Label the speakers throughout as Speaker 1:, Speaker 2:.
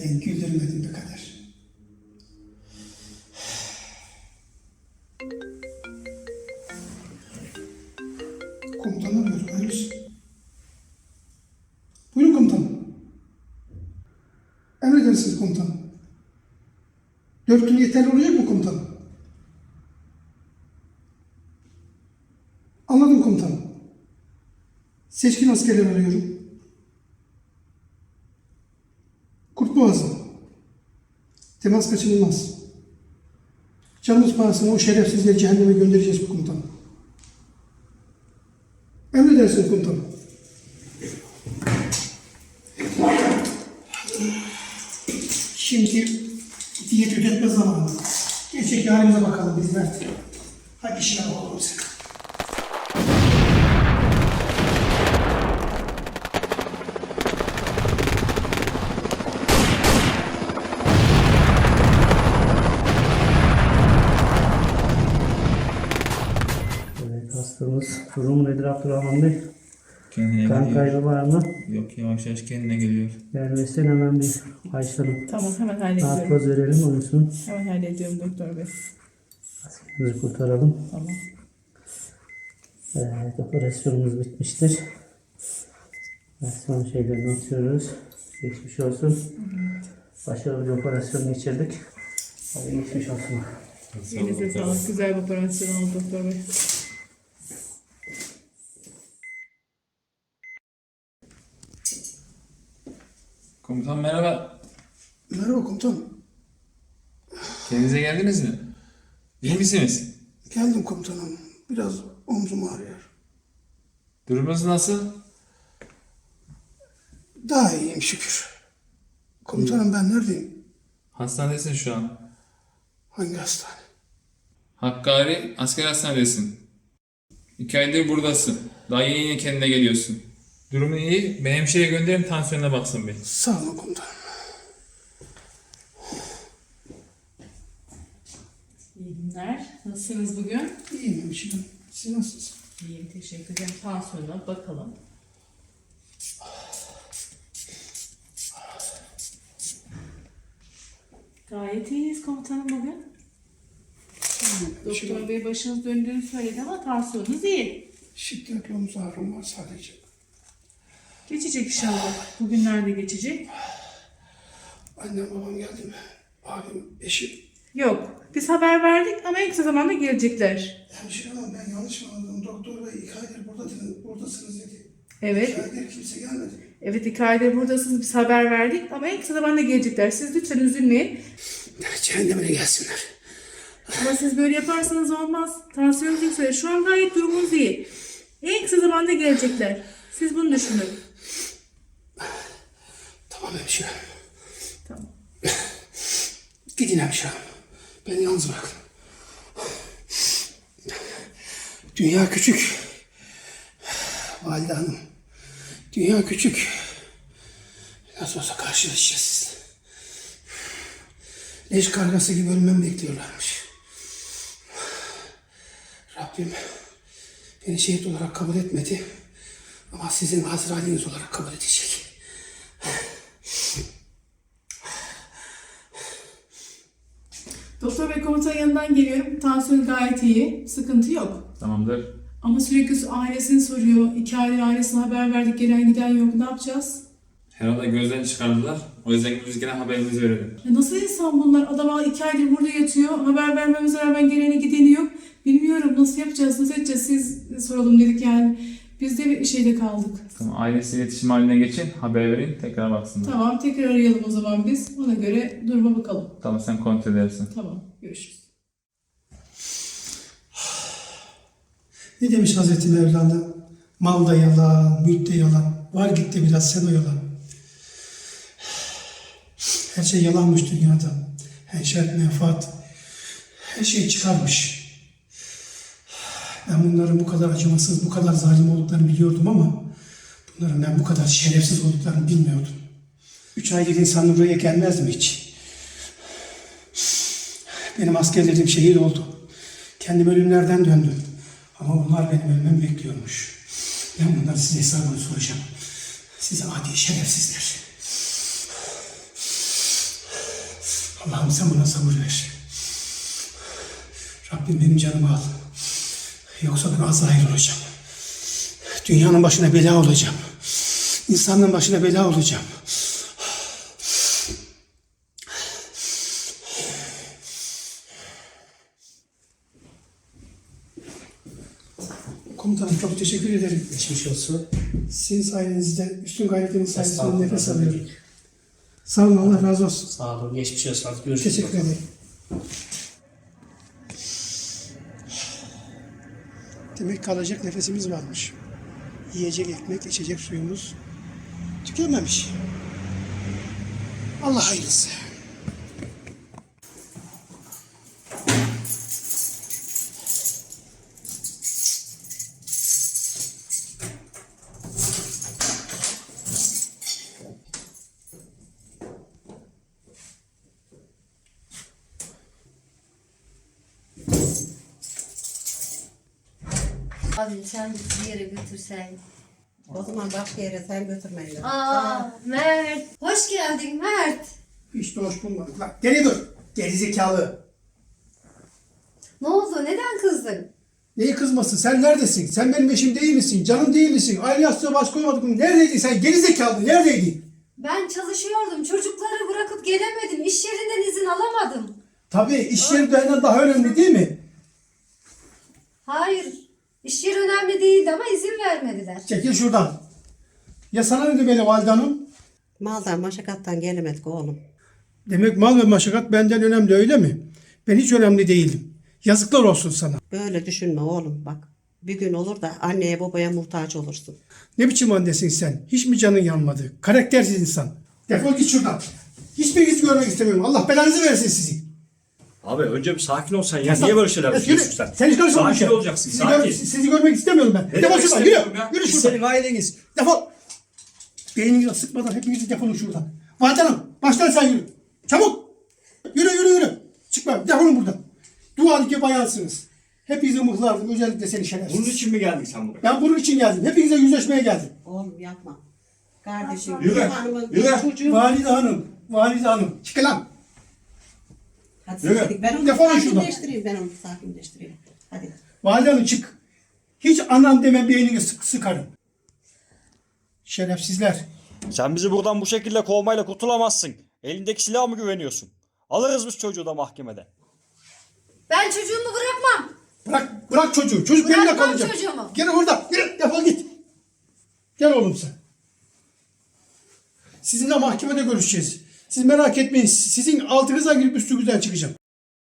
Speaker 1: güldürmedin, güldürmedin be Kader. Komutanı arıyorum, hayırlısı. Buyurun komutanım. Emredersiniz komutanım. 4 gün yeterli olacak mı komutanım? Anladım komutanım. Seçkin askerler arıyorum. Kurtboğazı. Temas kaçınılmaz. Canımız pahasına o şerefsizleri cehenneme göndereceğiz bu komutanım. Emredersiniz komutanım. Şimdi diyet ödetme zamanı. Gerçek halimize bakalım biz Mert. Hadi işine bakalım sen.
Speaker 2: Evet, hastamız durumu nedir Abdurrahman Bey?
Speaker 3: Kendine
Speaker 2: Kan
Speaker 3: geliyor.
Speaker 2: kaybı var mı?
Speaker 3: Yok, yavaş yavaş kendine geliyor.
Speaker 2: Yerleşsen hemen bir Ayşe'nin
Speaker 4: Tamam, hemen hallediyorum.
Speaker 2: narkoz verelim uyusun.
Speaker 4: Hemen hallediyorum doktor bey.
Speaker 2: Bizi kurtaralım.
Speaker 4: Tamam.
Speaker 2: Evet, operasyonumuz bitmiştir. Son şeylerini atıyoruz. Geçmiş olsun. Başarılı bir operasyon geçirdik. Hadi geçmiş olsun.
Speaker 4: Elinize sağlık. Güzel bir operasyon oldu doktor bey.
Speaker 3: Komutan merhaba.
Speaker 1: Merhaba komutanım.
Speaker 3: Kendinize geldiniz mi? İyi misiniz?
Speaker 1: Geldim komutanım. Biraz omzum ağrıyor.
Speaker 3: Durumunuz nasıl?
Speaker 1: Daha iyiyim şükür. Komutanım ben neredeyim?
Speaker 3: Hastanedesin şu an.
Speaker 1: Hangi hastane?
Speaker 3: Hakkari Asker Hastanedesin. 2 aydır buradasın. Daha yeni kendine geliyorsun. Durumun iyi. Ben hemşireye gönderin, tansiyonuna baksın bir.
Speaker 1: Sağ olun komutanım.
Speaker 4: İyi günler. Nasılsınız bugün?
Speaker 1: İyiyim hemşirem. Siz nasılsınız?
Speaker 4: İyiyim, teşekkür ederim. Tansiyonuna bakalım. Gayet iyiyiz komutanım bugün. Doktor bey başınız döndüğünü söyledi ama tansiyonunuz iyi.
Speaker 1: Şiddetli omuz ağrım var sadece.
Speaker 4: Geçecek inşallah. Bugünlerde geçecek.
Speaker 1: Annem babam geldi mi? Abim, eşim.
Speaker 4: Yok. Biz haber verdik ama en kısa zamanda gelecekler.
Speaker 1: Hemşire hanım ben yanlış mı anladım? Doktor bey 2 aydır buradasınız dedi.
Speaker 4: Evet.
Speaker 1: 2 aydır kimse gelmedi.
Speaker 4: Evet, 2 aydır buradasınız. Biz haber verdik ama en kısa zamanda gelecekler. Siz lütfen üzülmeyin.
Speaker 1: Cehennemine gelsinler.
Speaker 4: Ama siz böyle yaparsanız olmaz. Tansiyonunuz yükseliyor. Şu an gayet durumunuz iyi. En kısa zamanda gelecekler. Siz bunu düşünün.
Speaker 1: Tamam hemşire.
Speaker 4: Tamam.
Speaker 1: Gidin hemşire hanım. Beni yalnız bırakın. Dünya küçük. Valide hanım. Dünya küçük. Nasıl olsa karşılaşacağız sizinle. Leş kargası gibi ölmem bekliyorlarmış. Rabbim beni şehit olarak kabul etmedi. Ama sizin Azrail'iniz olarak kabul edecek.
Speaker 4: Doktor bey komutanın yanından geliyorum. Tansiyonu gayet iyi. Sıkıntı yok.
Speaker 3: Tamamdır.
Speaker 4: Ama sürekli ailesini soruyor. 2 aydır ailesine haber verdik. Gelen giden yok. Ne yapacağız?
Speaker 3: Herhalde gözden çıkardılar. O yüzden biz gene haberimizi verelim.
Speaker 4: Ya nasıl insan bunlar? Adam 2 aydır burada yatıyor. Haber vermemize rağmen geleni gideni yok. Bilmiyorum nasıl yapacağız, nasıl edeceğiz? Siz soralım dedik yani. Biz de bir şeyde kaldık.
Speaker 3: Tamam, ailesi iletişim haline geçin. Haber verin. Tekrar baksınlar.
Speaker 4: Tamam, tekrar arayalım o zaman biz. Ona göre duruma bakalım.
Speaker 3: Tamam, sen kontrol edersin.
Speaker 4: Tamam, görüşürüz.
Speaker 1: Ne demiş Hazreti Mevlana? Mal da yalan, mülk de yalan. Var git de biraz sen oyalan. Her şey yalanmış dünyada. Her şey menfaat. Her şey çıkarmış. Ben bunların bu kadar acımasız, bu kadar zalim olduklarını biliyordum ama bunların ben bu kadar şerefsiz olduklarını bilmiyordum. 3 aylık insan buraya gelmez mi hiç? Benim askerlerim şehit oldu. Kendim ölümlerden döndüm. Ama bunlar benim ölmemi bekliyormuş. Ben bunların size hesabını soracağım. Size adi şerefsizler. Allah'ım sen bana sabır ver. Rabbim benim canımı al. Yoksa ben Azrail olacağım. Dünyanın başına bela olacağım. İnsanın başına bela olacağım. Komutanım çok teşekkür ederim.
Speaker 2: Geçmiş olsun.
Speaker 1: Sizin sayenizde, üstün gayretiniz sayesinde nefes alıyorum. Sağ olun, Allah razı olsun.
Speaker 2: Sağ olun. Geçmiş olsun. Hadi görüşürüz.
Speaker 1: Teşekkür ederim. Demek kalacak nefesimiz varmış. Yiyecek ekmek, içecek suyumuz tükenmemiş. Allah hayırlısı.
Speaker 5: Abi sen bizi bir yere götürsen.
Speaker 6: O zaman başka yere sen götürmeyin.
Speaker 5: Mert. Hoş geldin Mert.
Speaker 1: Hiç de hoş bulmadık. Lan geri dur. Gerizekalı.
Speaker 5: Ne oldu? Neden kızdın?
Speaker 1: Neyi kızmasın? Sen neredesin? Sen benim eşim değil misin? Canım değil misin? Aynı yastığa baş koymadık mı? Neredeydin sen? Gerizekalı. Neredeydin?
Speaker 5: Ben çalışıyordum. Çocukları bırakıp gelemedim. İş yerinden izin alamadım.
Speaker 1: Tabii iş yeri benden daha önemli değil mi?
Speaker 5: Hayır. İş yeri önemli değildi ama izin vermediler.
Speaker 1: Çekil şuradan. Ya sana ne demeli Valide Hanım?
Speaker 6: Maldan maşakattan gelemedik oğlum.
Speaker 1: Demek mal ve maşakat benden önemli öyle mi? Ben hiç önemli değilim. Yazıklar olsun sana.
Speaker 6: Böyle düşünme oğlum bak. Bir gün olur da anneye babaya muhtaç olursun.
Speaker 1: Ne biçim annesin sen? Hiç mi canın yanmadı? Karaktersiz insan. Defol git şuradan. Hiçbirinizi görmek istemiyorum. Allah belanızı versin sizi.
Speaker 7: Abi önce bir sakin ol sen ya. Niye böyle şeyler düşünüyorsun sen?
Speaker 1: Sen hiç karışma bu
Speaker 7: Sakin
Speaker 1: işe.
Speaker 7: olacaksın,
Speaker 1: Sizi,
Speaker 7: sakin.
Speaker 1: sizi görmek istemiyorum ben.
Speaker 7: Ne
Speaker 1: Defol
Speaker 7: demek
Speaker 1: şuradan. Yürü.
Speaker 7: istemiyorum ya?
Speaker 1: Yürü
Speaker 7: Biz
Speaker 1: şuradan.
Speaker 7: senin aileniz.
Speaker 1: Defol. Beyninizi sıkmadan hepinizi defolun şuradan. Valide Hanım baştan sen yürü. Çabuk. Yürü yürü yürü. Çıkma. Defolun buradan. Dualık bayansınız. Hepinizi mıhlardım. Özellikle seni şerefsiz.
Speaker 7: Bunun için mi geldin sen buraya?
Speaker 1: Ben bunun için geldim. Hepinize yüzleşmeye geldim.
Speaker 6: Oğlum yapma. Kardeşim.
Speaker 7: Yürü,
Speaker 6: hanımın
Speaker 7: yürü.
Speaker 6: çocuğu.
Speaker 1: Valide Hanım. Valide Hanım. Çıkın lan.
Speaker 6: Hadi
Speaker 7: Yürü.
Speaker 6: hadi. Ben onu
Speaker 1: Defolun şuradan.
Speaker 6: sakinleştireyim. Ben onu sakinleştireyim. Hadi.
Speaker 1: Valide Hanım çık. Hiç anam deme beynini sıkarım. Şerefsizler.
Speaker 7: Sen bizi buradan bu şekilde kovmayla kurtulamazsın. Elindeki silaha mı güveniyorsun? Alırız biz çocuğu da mahkemede.
Speaker 5: Ben çocuğumu bırakmam.
Speaker 1: Bırak çocuğu. Çocuk benimle
Speaker 5: Bırakmam
Speaker 1: kalacak.
Speaker 5: çocuğumu.
Speaker 1: Gel orada. Yürü. Defol git. Gel oğlum sen. Sizinle mahkemede görüşeceğiz. Siz merak etmeyin. Sizin altınıza girip üstünüzden çıkacağım.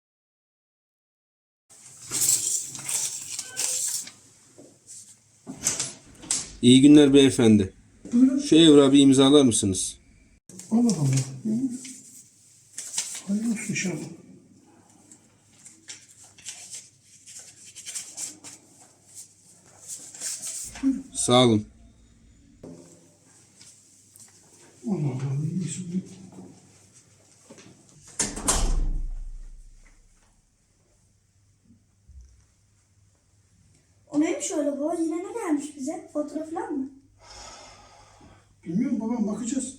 Speaker 8: İyi günler beyefendi.
Speaker 1: Buyurun.
Speaker 8: Şu evrağı bir imzalar mısınız?
Speaker 1: Allah Allah. Hayırlı olsun inşallah.
Speaker 8: Sağ olun.
Speaker 1: Allah Allah. İyi.
Speaker 9: O neymiş öyle baba? Yine ne gelmiş bize? Fotoğraf falan mı?
Speaker 1: Bilmiyorum babam bakacağız.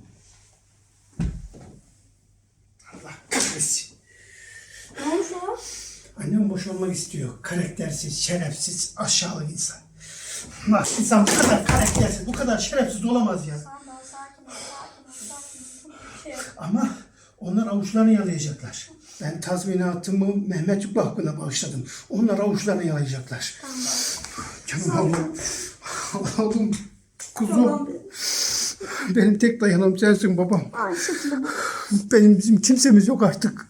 Speaker 1: Allah kahretsin.
Speaker 9: Ne olmuş o?
Speaker 1: Annem boşanmak istiyor. Karaktersiz, şerefsiz, aşağılık insan. Bak insan bu kadar karaktersiz, bu kadar şerefsiz olamaz ya.
Speaker 9: Tamam sakin ol, sakin ol, sakin ol. Bir şey yok.
Speaker 1: Ama onlar avuçlarını yalayacaklar. Ben tazminatımı Mehmet Yüklü hakkında bağışladım. Onlar avuçlarını yalayacaklar. Canım oğlum. Oğlum. Kuzum.
Speaker 9: Tamam.
Speaker 1: Benim tek dayanım sensin babam.
Speaker 9: Ay şekilde bu.
Speaker 1: Bizim kimsemiz yok artık.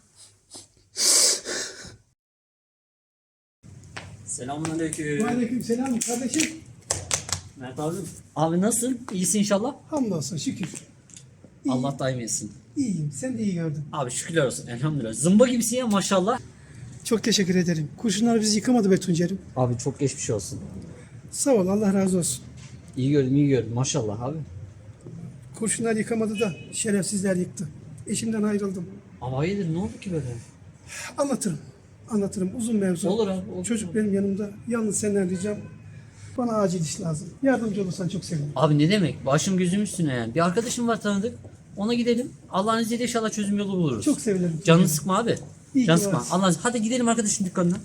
Speaker 2: Selamünaleyküm.
Speaker 1: Aleykümselam kardeşim.
Speaker 2: Mert abim. Abi nasılsın? İyisin inşallah.
Speaker 1: Hamdolsun şükür.
Speaker 2: Allah daim etsin.
Speaker 1: İyiyim. Sen de iyi gördün.
Speaker 2: Abi şükürler olsun. Elhamdülillah. Zımba gibisin ya maşallah.
Speaker 1: Çok teşekkür ederim. Kurşunlar bizi yıkamadı be Tuncer'im.
Speaker 2: Abi çok geçmiş olsun.
Speaker 1: Sağ ol. Allah razı olsun.
Speaker 2: İyi gördüm iyi gördüm maşallah abi.
Speaker 1: Kurşunlar yıkamadı da şerefsizler yıktı. Eşimden ayrıldım.
Speaker 2: Ama hayırdır ne oldu ki böyle?
Speaker 1: Anlatırım. Anlatırım. Uzun mevzu.
Speaker 2: Olur abi. Olur.
Speaker 1: Çocuk benim yanımda. Yalnız senden ricam. Bana acil iş lazım. Yardımcı olursan çok sevinirim.
Speaker 2: Abi ne demek? Başım gözüm üstüne yani. Bir arkadaşım var tanıdık. Ona gidelim. Allah'ın izniyle inşallah çözüm yolu buluruz.
Speaker 1: Çok sevinirim.
Speaker 2: Canını sıkma abi.
Speaker 1: İyi
Speaker 2: Canını
Speaker 1: ki
Speaker 2: sıkma.
Speaker 1: varsın.
Speaker 2: Allah'ın izniyle. Hadi gidelim arkadaşın dükkanına.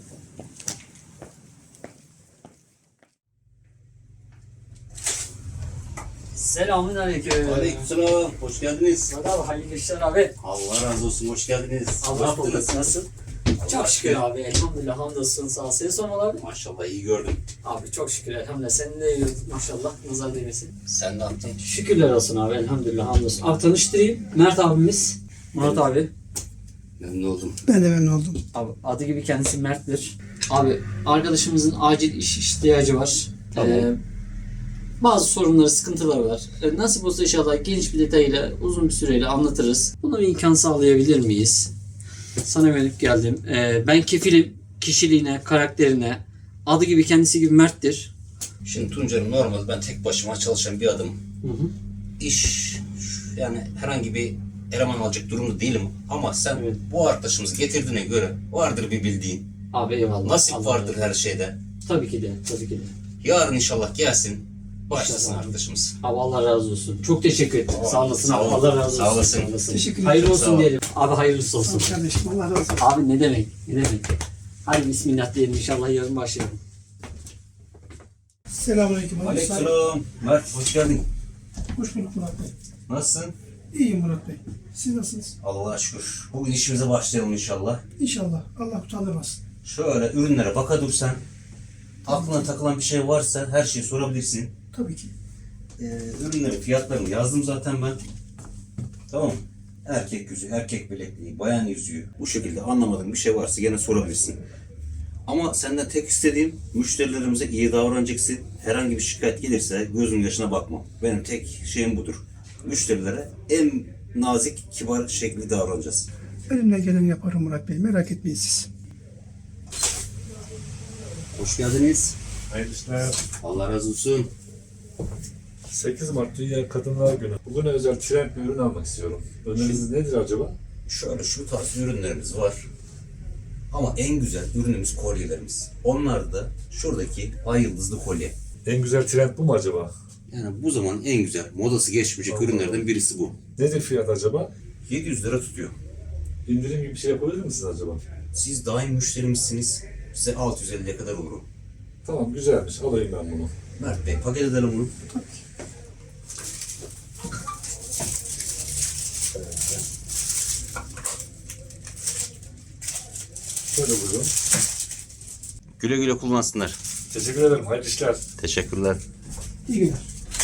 Speaker 2: Selamünaleyküm.
Speaker 10: Aleykümselam. Hoş geldiniz.
Speaker 2: Hadi abi hayırlı işler abi.
Speaker 10: Allah razı olsun. Hoş geldiniz. Ne
Speaker 2: Allah
Speaker 10: yaptınız?
Speaker 2: korusun. Nasıl? Çok şükür abi. Elhamdülillah hamdolsun. Sağ ol. Seni sormalı abi.
Speaker 10: Maşallah iyi gördüm.
Speaker 2: Abi çok şükür elhamdülillah. Senin de iyi maşallah. Nazar değmesin.
Speaker 10: Sen ne yaptın?
Speaker 2: Şükürler olsun abi. Elhamdülillah hamdolsun. Abi tanıştırayım. Mert abimiz. Murat abi.
Speaker 10: Memnun oldum.
Speaker 1: Ben de memnun oldum.
Speaker 2: Abi adı gibi kendisi Mert'tir. Abi arkadaşımızın acil iş ihtiyacı var.
Speaker 10: Tamam.
Speaker 2: Bazı sorunları, sıkıntıları var. Nasip olsa inşallah geniş bir detayla, uzun bir süreyle anlatırız. Buna bir imkan sağlayabilir miyiz? Sana yönelip geldim. Ben kefilim kişiliğine, karakterine. Adı gibi kendisi gibi Mert'tir.
Speaker 10: Şimdi Tuncer'im normal ben tek başıma çalışan bir adamım. İş yani herhangi bir eleman alacak durumda değilim. Ama sen
Speaker 2: Evet.
Speaker 10: bu arkadaşımızı getirdiğine göre vardır bir bildiğin.
Speaker 2: Abi eyvallah.
Speaker 10: Nasip
Speaker 2: Allah
Speaker 10: vardır
Speaker 2: razı
Speaker 10: her şeyde.
Speaker 2: olsun. Tabii ki de, tabii ki de.
Speaker 10: Yarın inşallah gelsin. Başlasın
Speaker 2: İnşallah.
Speaker 10: arkadaşımız.
Speaker 2: Abi Allah razı olsun. Çok teşekkür ederim.
Speaker 10: Tamam.
Speaker 2: Sağ olasın
Speaker 10: Sağ
Speaker 2: abi.
Speaker 10: ol.
Speaker 2: Allah razı olsun.
Speaker 10: Sağ olasın.
Speaker 1: Teşekkür ederim.
Speaker 2: Hayırlı
Speaker 10: Sağ
Speaker 2: olsun
Speaker 10: ol.
Speaker 2: diyelim. Abi hayırlısı
Speaker 1: Sağ ol
Speaker 2: olsun.
Speaker 1: kardeşim. Allah razı olsun.
Speaker 2: Abi ne demek? Ne demek? Hadi bismillah diyelim inşallah yarın başlayalım.
Speaker 1: Selamünaleyküm.
Speaker 10: Aleykümselam. Mert hoş geldin.
Speaker 1: Hoş bulduk Murat Bey.
Speaker 10: Nasılsın?
Speaker 1: İyiyim Murat Bey. Siz nasılsınız?
Speaker 10: Allah'a şükür. Bugün işimize başlayalım inşallah.
Speaker 1: İnşallah. Allah utandırmasın.
Speaker 10: Şöyle ürünlere baka dursan, aklına takılan bir şey varsa her şeyi sorabilirsin.
Speaker 1: Tabii ki.
Speaker 10: Ürünlerin fiyatlarını yazdım zaten ben. Tamam. Erkek yüzüğü, erkek bilekliği, bayan yüzüğü. Bu şekilde anlamadığın bir şey varsa gene sorabilirsin. Ama senden tek istediğim müşterilerimize iyi davranacaksın. Herhangi bir şikayet gelirse gözün yaşına bakma. Benim tek şeyim budur. Müşterilere en nazik, kibar şekilde davranacağız.
Speaker 1: Elimden geleni yaparım Murat Bey. Merak etmeyin siz.
Speaker 10: Hoş geldiniz.
Speaker 11: Hayırlı işler.
Speaker 10: Allah razı olsun.
Speaker 11: 8 Mart Dünya Kadınlar Günü. Bugüne özel trend bir ürün almak istiyorum. Öneriniz nedir acaba?
Speaker 10: Şöyle şu tarz ürünlerimiz var. Ama en güzel ürünümüz kolyelerimiz. Onlar da şuradaki ay yıldızlı kolye.
Speaker 11: En güzel trend bu mu acaba?
Speaker 10: Yani bu zaman en güzel, modası geçmeyecek
Speaker 11: Allah
Speaker 10: ürünlerden birisi bu.
Speaker 11: Nedir fiyat acaba?
Speaker 10: 700 lira tutuyor.
Speaker 11: İndirim gibi bir şey yapabilir misiniz acaba?
Speaker 10: Siz daim müşterimizsiniz. Size 650'ye kadar olurum.
Speaker 11: Tamam güzelmiş. Alayım ben bunu.
Speaker 10: Mert Bey paket edelim bunu.
Speaker 11: Şöyle buyurun.
Speaker 10: Güle güle kullansınlar.
Speaker 11: Teşekkür ederim. Hayırlı işler.
Speaker 10: Teşekkürler.
Speaker 1: İyi günler.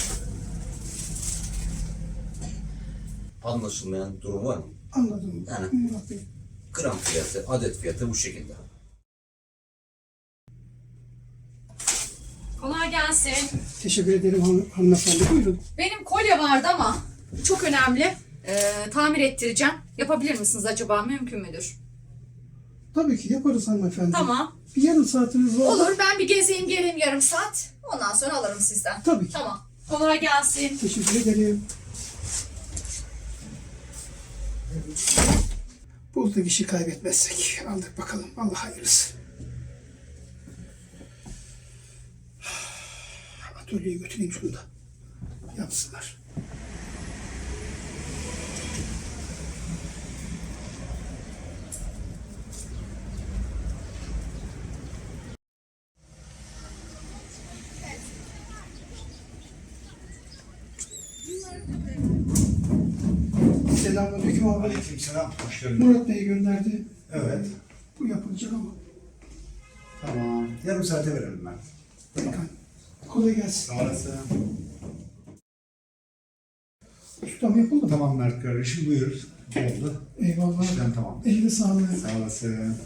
Speaker 10: Anlaşılmayan durum var mı?
Speaker 1: Anladım.
Speaker 10: Yani-
Speaker 1: Murat Bey.
Speaker 10: Gram fiyatı, adet fiyatı bu şekilde.
Speaker 5: Kolay gelsin.
Speaker 1: Teşekkür ederim hanımefendi. Buyurun.
Speaker 5: Benim kolye vardı ama çok önemli. Tamir ettireceğim. Yapabilir misiniz acaba? Mümkün müdür?
Speaker 1: Tabii ki yaparız hanımefendi.
Speaker 5: Tamam.
Speaker 1: Bir yarım saatiniz var.
Speaker 5: Olur, ben bir gezeyim geleyim yarım saat. Ondan sonra alırım sizden.
Speaker 1: Tabii ki.
Speaker 5: Tamam. Kolay gelsin.
Speaker 1: Teşekkür ederim. Bulduk işi kaybetmezsek. Aldık bakalım. Allah hayırlısı. Atölyeye götüreyim şunu da. Yapsınlar. Selamünaleyküm abi.
Speaker 12: Aleykümselam. Hoş geldin.
Speaker 1: Murat Bey gönderdi.
Speaker 12: Evet.
Speaker 1: Bu yapılacak ama.
Speaker 12: Tamam. Yarım saate verelim ben.
Speaker 1: Pekala. Kolay gelsin.
Speaker 12: Sağ olasın.
Speaker 1: Ustam yapıldı mı?
Speaker 12: Tamam Mert kardeşim buyur. Oldu.
Speaker 1: Eyvallah.
Speaker 12: İşlem tamam.
Speaker 1: Eline sağlık.
Speaker 12: Sağ olasın.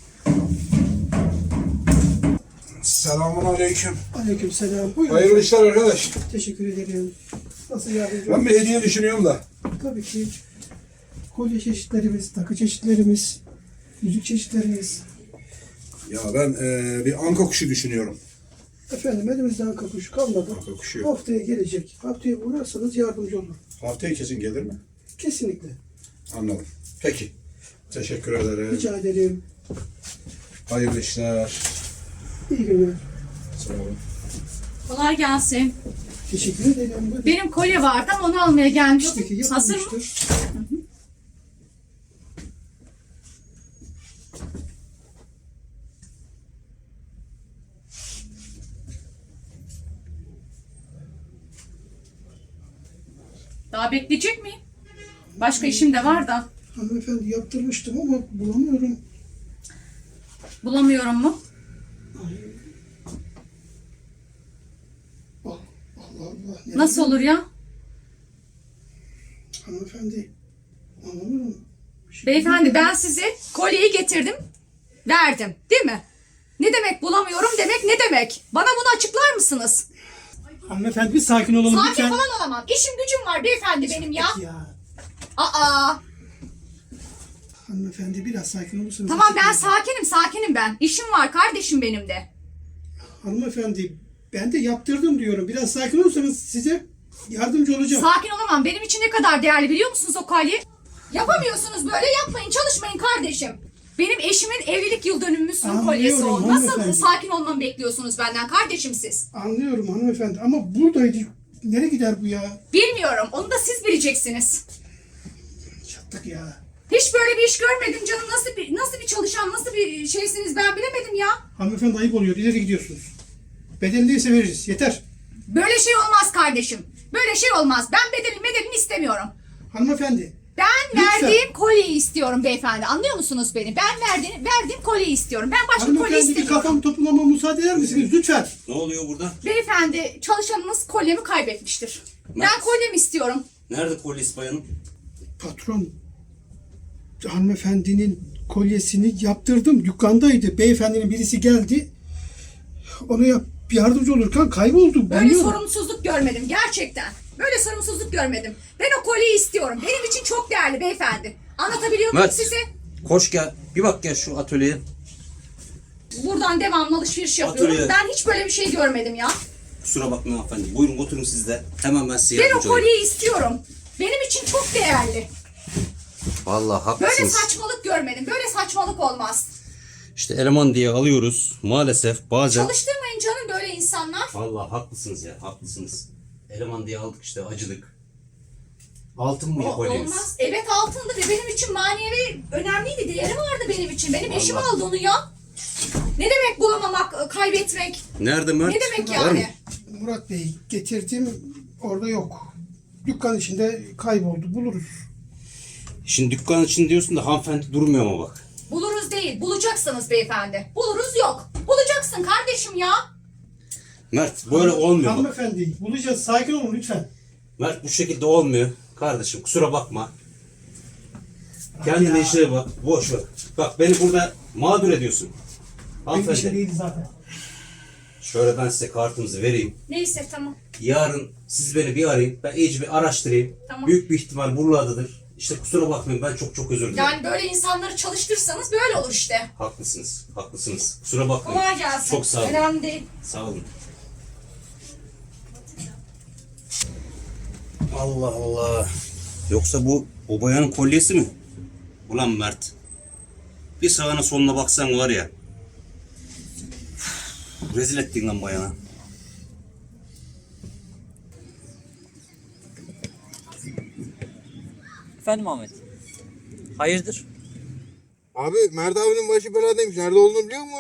Speaker 12: Selamun aleyküm.
Speaker 1: Aleykümselam. Buyurun.
Speaker 12: Hayırlı işler arkadaş.
Speaker 1: Teşekkür ederim. Nasıl yardımcı
Speaker 12: Ben bir hediye düşünüyorum da.
Speaker 1: Tabii ki. Kolye çeşitlerimiz, takı çeşitlerimiz, yüzük çeşitlerimiz.
Speaker 12: Ya ben bir anka kuşu düşünüyorum.
Speaker 1: Efendim elimizden kapış kalmadı.
Speaker 12: Anka kuşu yok.
Speaker 1: Haftaya gelecek. Haftaya uğrarsanız yardımcı olur.
Speaker 12: Haftaya kesin gelir mi?
Speaker 1: Kesinlikle.
Speaker 12: Anladım. Peki. Teşekkür ederim.
Speaker 1: Rica ederim.
Speaker 12: Hayırlı işler.
Speaker 1: İyi günler.
Speaker 12: Sağ olun.
Speaker 5: Kolay gelsin.
Speaker 1: Teşekkür ederim. Buyurun.
Speaker 5: Benim kolye vardı ama onu almaya gelmiştim.
Speaker 1: Tabii ki
Speaker 5: Hazır mı?
Speaker 1: yapılmıştır.
Speaker 5: Daha bekleyecek miyim? Başka işim de var da.
Speaker 1: Hanımefendi yaptırmıştım ama bulamıyorum.
Speaker 5: Bulamıyorum mu?
Speaker 1: Allah Allah. Nerede?
Speaker 5: Nasıl olur ya?
Speaker 1: Hanımefendi anlamıyorum.
Speaker 5: Beyefendi ben size kolyeyi getirdim. Verdim. Değil mi? Ne demek bulamıyorum demek ne demek? Bana bunu açıklar mısınız?
Speaker 1: Hanımefendi bir sakin olalım
Speaker 5: Sakin
Speaker 1: lütfen.
Speaker 5: falan olamam. İşim gücüm var beyefendi benim ya.
Speaker 1: Ya.
Speaker 5: Aa.
Speaker 1: Hanımefendi biraz sakin olursanız.
Speaker 5: Tamam ben sakinim ben. İşim var kardeşim benim de.
Speaker 1: Hanımefendi ben de yaptırdım diyorum. Biraz sakin olursanız size yardımcı olacağım.
Speaker 5: Sakin olamam. Benim için ne kadar değerli biliyor musunuz o kolye? Yapamıyorsunuz böyle yapmayın çalışmayın kardeşim. Benim eşimin evlilik yıl dönümümüzün
Speaker 1: Anlıyorum
Speaker 5: kolyesi o. Nasıl
Speaker 1: hanımefendi.
Speaker 5: sakin olmamı bekliyorsunuz benden kardeşim siz?
Speaker 1: Anlıyorum hanımefendi ama buradaydı. Nereye gider bu ya?
Speaker 5: Bilmiyorum. Onu da siz bileceksiniz.
Speaker 1: Çattık ya.
Speaker 5: Hiç böyle bir iş görmedim canım. Nasıl bir çalışan, nasıl bir şeysiniz ben bilemedim ya.
Speaker 1: Hanımefendi ayıp oluyor. İleri gidiyorsunuz. Bedeli neyse veririz. Yeter.
Speaker 5: Böyle şey olmaz kardeşim. Böyle şey olmaz. Ben bedelini istemiyorum.
Speaker 1: Hanımefendi.
Speaker 5: Ben
Speaker 1: Lütfen.
Speaker 5: verdiğim kolyeyi istiyorum beyefendi. Anlıyor musunuz beni? Ben verdiğim kolyeyi istiyorum. Ben başka kolye
Speaker 1: Hanımefendi bir
Speaker 5: istemiyorum.
Speaker 1: kafam toplamama müsaade eder misiniz? Lütfen.
Speaker 10: Ne oluyor burada?
Speaker 5: Beyefendi çalışanınız kolyemi kaybetmiştir. Ben kolyemi istiyorum.
Speaker 10: Nerede polis bayanım?
Speaker 1: Patron. Hanımefendinin kolyesini yaptırdım. Dükkandaydı. Beyefendinin birisi geldi. Ona yardımcı olurken kayboldu.
Speaker 5: Böyle
Speaker 1: Bilmiyorum.
Speaker 5: sorumsuzluk görmedim gerçekten. Böyle sorumsuzluk görmedim. Ben o kolyeyi istiyorum. Benim için çok değerli beyefendi. Anlatabiliyor muyum
Speaker 10: Mert.
Speaker 5: size?
Speaker 10: Koş gel. Bir bak gel şu atölyeye.
Speaker 5: Buradan devamlı alışveriş yapıyorum.
Speaker 10: Atölye.
Speaker 5: Ben hiç böyle bir şey görmedim ya.
Speaker 10: Kusura bakmayın hanımefendi. Buyurun oturun siz de. Hemen ben size
Speaker 5: Ben o
Speaker 10: yardımcı olayım.
Speaker 5: kolyeyi istiyorum. Benim için çok değerli.
Speaker 10: Vallahi
Speaker 5: Böyle
Speaker 10: haklısınız.
Speaker 5: saçmalık görmedim. Böyle saçmalık olmaz.
Speaker 10: İşte eleman diye alıyoruz. Maalesef bazen...
Speaker 5: Çalıştırmayın canım böyle insanlar.
Speaker 10: Vallahi haklısınız ya. Haklısınız. Eleman diye aldık işte acıdık. Altın mı kolyeniz?
Speaker 5: Olmaz. Evet altındı ve benim için manevi önemliydi. Değeri vardı benim için. Benim eşim
Speaker 10: Vallahi.
Speaker 5: aldı onu ya. Ne demek bulamamak, kaybetmek?
Speaker 10: Nerede Mert?
Speaker 5: Ne demek
Speaker 10: Var mı?
Speaker 5: yani?
Speaker 1: Murat Bey getirdim. Orada yok. Dükkan içinde kayboldu. Buluruz.
Speaker 10: Şimdi dükkan için diyorsun da hanımefendi durmuyor ama bak.
Speaker 5: Buluruz değil, bulacaksınız beyefendi. Buluruz yok. Bulacaksın kardeşim ya.
Speaker 10: Mert böyle olmuyor bak.
Speaker 1: Hanımefendi bulacağız. Sakin olun lütfen.
Speaker 10: Mert bu şekilde olmuyor. Kardeşim kusura bakma. Kendine işine bak. Boş ver. Bak beni burada mağdur ediyorsun.
Speaker 1: Benim işim
Speaker 10: Hanımefendi.
Speaker 1: değildi zaten.
Speaker 10: Şöyle ben size kartınızı vereyim.
Speaker 5: Neyse tamam.
Speaker 10: Yarın siz beni bir arayın. Ben iyice bir araştırayım.
Speaker 5: Tamam.
Speaker 10: Büyük bir ihtimal buralardadır. İşte kusura bakmayın ben çok özür dilerim.
Speaker 5: Yani böyle insanları çalıştırsanız böyle olur işte.
Speaker 10: Haklısınız. Haklısınız. Kusura bakmayın.
Speaker 5: Kolay gelsin.
Speaker 10: Çok sağ olun.
Speaker 5: Önemli değil.
Speaker 10: Sağ olun. Allah Allah. Yoksa bu o bayanın kolyesi mi? Ulan Mert. Bir sağına soluna baksan var ya. Rezil ettin lan bayana.
Speaker 2: Efendim Ahmet. Hayırdır?
Speaker 12: Abi Mert abinin başı beladaymış. Nerede olduğunu biliyor musun?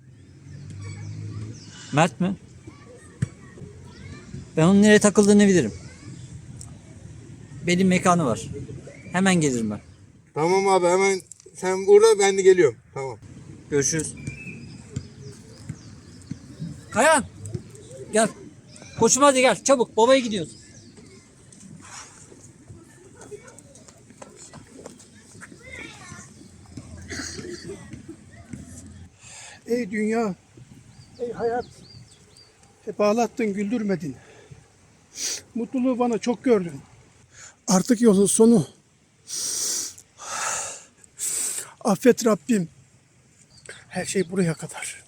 Speaker 2: Mert mi? Ben onun nereye takıldığını bilirim. Benim mekanı var. Hemen gelirim ben.
Speaker 12: Tamam abi hemen sen burada ben de geliyorum. Tamam.
Speaker 2: Görüşürüz. Kayan. Gel. Koçum hadi gel çabuk. Babaya gidiyoruz.
Speaker 1: Ey dünya, ey hayat. Hep ağlattın, güldürmedin. Mutluluğu bana çok gördün. Artık yolun sonu. Affet Rabbim. Her şey buraya kadar.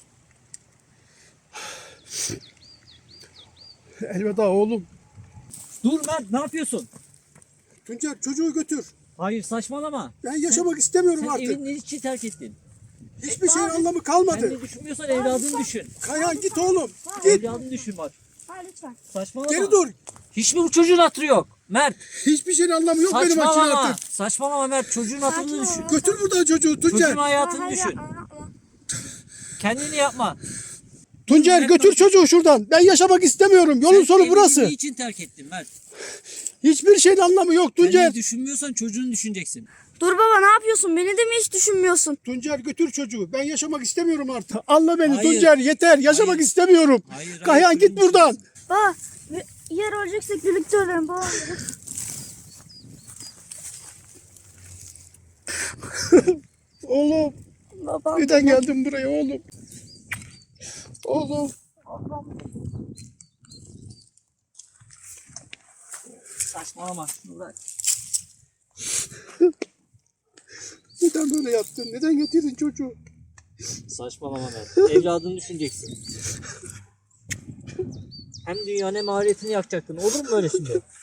Speaker 1: Elveda oğlum.
Speaker 2: Dur Mert ne yapıyorsun?
Speaker 1: Tuncer çocuğu götür.
Speaker 2: Hayır saçmalama.
Speaker 1: Ben yaşamak istemiyorum
Speaker 2: Sen
Speaker 1: artık.
Speaker 2: evin için terk ettin.
Speaker 1: Hiçbir şeyin
Speaker 2: Abi,
Speaker 1: anlamı kalmadı.
Speaker 2: Kendini düşünmüyorsan evladını düşün.
Speaker 1: Kayhan git oğlum. Git.
Speaker 2: Evladını düşün bak.
Speaker 9: Ha lütfen.
Speaker 2: Saçmalama.
Speaker 1: Geri dur.
Speaker 2: Hiç mi bu çocuğun hatırı yok? Mert.
Speaker 1: Hiçbir şeyin anlamı yok benim için
Speaker 2: Saçmalama.
Speaker 1: artık.
Speaker 2: Saçmalama Mert. Çocuğun hatırını düşün.
Speaker 1: Götür buradan çocuğu Tuncer.
Speaker 2: Çocuğun hayatını
Speaker 9: Hayır,
Speaker 2: düşün.
Speaker 9: yapma.
Speaker 2: Kendini yapma.
Speaker 1: Tuncer götür çocuğu şuradan. Ben yaşamak istemiyorum. Yolun sonu burası.
Speaker 2: Kendini için terk ettin Mert.
Speaker 1: Hiçbir şeyin anlamı yok Tuncer.
Speaker 2: Kendini düşünmüyorsan çocuğunu düşüneceksin.
Speaker 9: Dur baba ne yapıyorsun? Beni de mi hiç düşünmüyorsun?
Speaker 1: Tuncer götür çocuğu. Ben yaşamak istemiyorum artık. Anla beni
Speaker 2: Hayır.
Speaker 1: Tuncer yeter. Yaşamak
Speaker 2: Hayır.
Speaker 1: istemiyorum.
Speaker 2: Hayır,
Speaker 1: Kayhan
Speaker 2: hayır,
Speaker 1: git buradan.
Speaker 9: Baba yer öleceksek birlikte ölelim baba.
Speaker 1: Oğlum
Speaker 9: Baba.
Speaker 1: neden geldin buraya oğlum? Oğlum.
Speaker 2: Saçmalama. Şunu bırak.
Speaker 1: Neden böyle yaptın? Neden getirdin çocuğu?
Speaker 2: Saçmalama Mert. Evladını düşüneceksin. Hem dünyanın hem ahiretini yakacaktın. Olur mu öyle şimdi?